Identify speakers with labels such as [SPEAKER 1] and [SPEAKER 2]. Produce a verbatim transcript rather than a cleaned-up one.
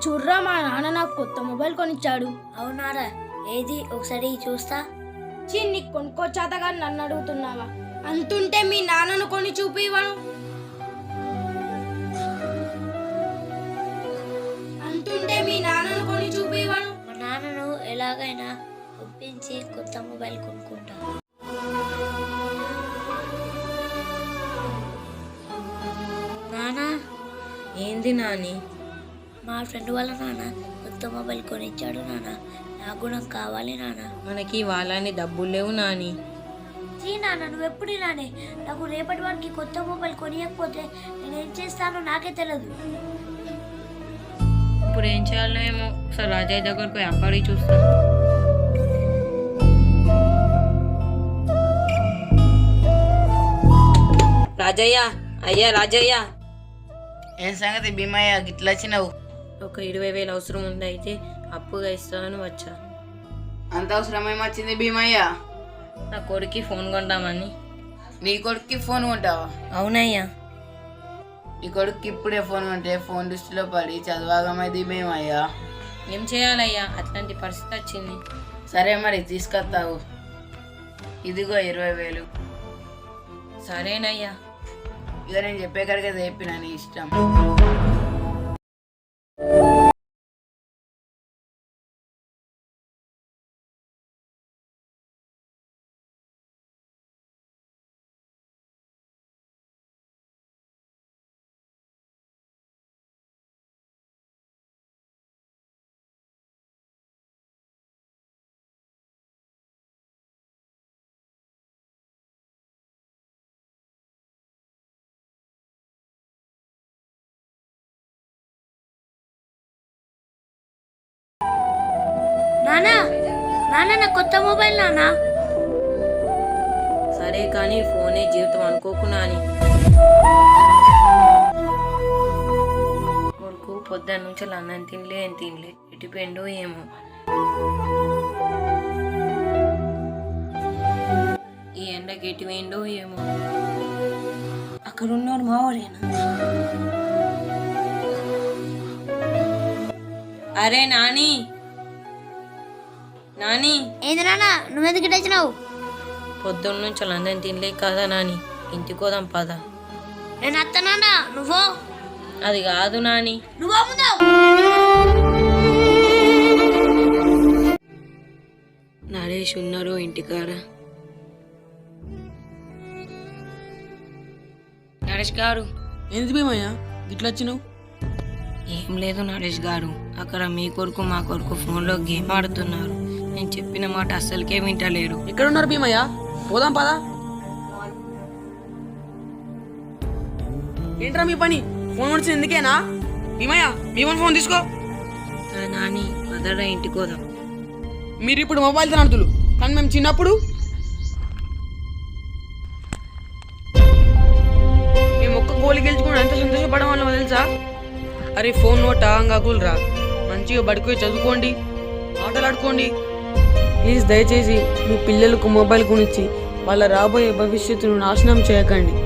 [SPEAKER 1] చూర్రా మా నాన్న నాకు కొత్త మొబైల్ కొనిచ్చాడు.
[SPEAKER 2] అవునారా? ఏది ఒకసారి చూస్తా.
[SPEAKER 1] చీ, నీకు కొనుక్కొచ్చాతగా నన్ను అడుగుతున్నావా? అంతుంటే మీ నాన్నను కొని చూపివను. అంతుంటే మీ నాన్నను కొని చూపివను.
[SPEAKER 2] మా నాన్నను ఎలాగైనా ఒప్పించి కొత్త మొబైల్ కొనుక్కుంటా. నానా,
[SPEAKER 3] ఏంది నాని?
[SPEAKER 2] మా ఫ్రెండ్ వాళ్ళ నాన్న కొత్త మొబైల్ కొనిచ్చాడు నాన్న. నాకు కూడా కావాలి నాన్న.
[SPEAKER 3] మనకి వాళ్ళని డబ్బులు లేవు నాని.
[SPEAKER 2] జీ నాన్న, నువ్వు ఎప్పుడు ఇలానే. నాకు రేపటి వారికి కొత్త మొబైల్ కొనియకపోతే నేను ఏం చేస్తానో నాకే తెలియదు.
[SPEAKER 3] ఇప్పుడు ఏం చేయాలో ఏమో. ఒకసారి రాజయ్య దగ్గరకు పోయి అప్పడి చూస్తా. రాజయ్య, అయ్యా రాజయ్య.
[SPEAKER 4] ఏం సంగతి భీమయ్య, గిట్లా వచ్చినావు?
[SPEAKER 3] ఒక ఇరవై వేలు అవసరం ఉంది, అయితే అప్పుగా ఇస్తాను వచ్చా.
[SPEAKER 4] అంత అవసరం ఏమొచ్చింది భీమయ్య?
[SPEAKER 3] నా కొడుక్కి ఫోన్ కొంటామని.
[SPEAKER 4] నీ కొడుక్కి ఫోన్ కొంటావా?
[SPEAKER 3] అవునయ్యా.
[SPEAKER 4] నీ కొడుక్కి ఇప్పుడే ఫోన్ కొంటే ఫోన్ దృష్టిలో పడి చదవాగమైంది భీమయ్య.
[SPEAKER 3] ఏం చేయాలయ్యా, అట్లాంటి పరిస్థితి వచ్చింది.
[SPEAKER 4] సరే మరి తీసుకొస్తావు. ఇదిగో ఇరవై వేలు.
[SPEAKER 3] సరేనయ్యా.
[SPEAKER 4] ఇక నేను చెప్పే కడిగే చెప్పిన నీ ఇష్టం.
[SPEAKER 2] నానా, నాన్న నా కొత్త మొబైల్ నానా.
[SPEAKER 3] సరే కానీ ఫోనే జీవితం అనుకోకు నాని. కొడుకు పొద్దున్న నుంచి అన్నం తినలే, ఏం తినలే, ఎటుపోయిండో ఏమో. ఈ ఎండకి ఎటు పోయిండో ఏమో. అక్కడ ఉన్నాడు మావాడేనా? అరే నాని, నాని.
[SPEAKER 2] ఏంది నాన్న, నువ్వెందుకు ఇటు వచ్చినావు?
[SPEAKER 3] పొద్దున్న నుంచి అందరం తినలే కదా నాని, ఇంటికి పోదాం పద.
[SPEAKER 2] నేను అత్త నాన్న, నువ్వు
[SPEAKER 3] అది కాదు నాని.
[SPEAKER 2] నువ్వు ముందావు.
[SPEAKER 3] నరేష్ ఉన్నారు ఇంటికాడ. నరేష్ గారు.
[SPEAKER 5] ఏంది భీమయ్య గిట్లా వచ్చినావు?
[SPEAKER 3] ఏం లేదు నరేష్ గారు, అక్కడ మీ కొడుకు మా కొడుకు ఫోన్లో గేమ్ ఆడుతున్నారు. నేను చెప్పిన మాట అస్సలకే వింటలేరు.
[SPEAKER 5] ఎక్కడ ఉన్నారు భీమయ్య? పోదాం పదా. ఏంట్రా మీ పని? ఫోన్ వచ్చింది ఎందుకేనా? భీమయ్య మీ వన్ ఫోన్ తీసుకో.
[SPEAKER 3] నాని పదరా ఇంటికి పోదాం.
[SPEAKER 5] మీరు ఇప్పుడు మొబైల్ తినడుతులు, కానీ మేము చిన్నప్పుడు మేము ఒక్క గోలి గెలుచుకుని ఎంత సంతోషపడడం వల్ల తెలుసా? అరే ఫోన్ నోట అంగాకులరా, మంచిగా బడిపోయి చదువుకోండి, ఆటలు ఆడుకోండి. ప్లీజ్ దయచేసి మీ పిల్లలకు మొబైల్ కొనిచ్చి వాళ్ళ రాబోయే భవిష్యత్తును నాశనం చేయకండి.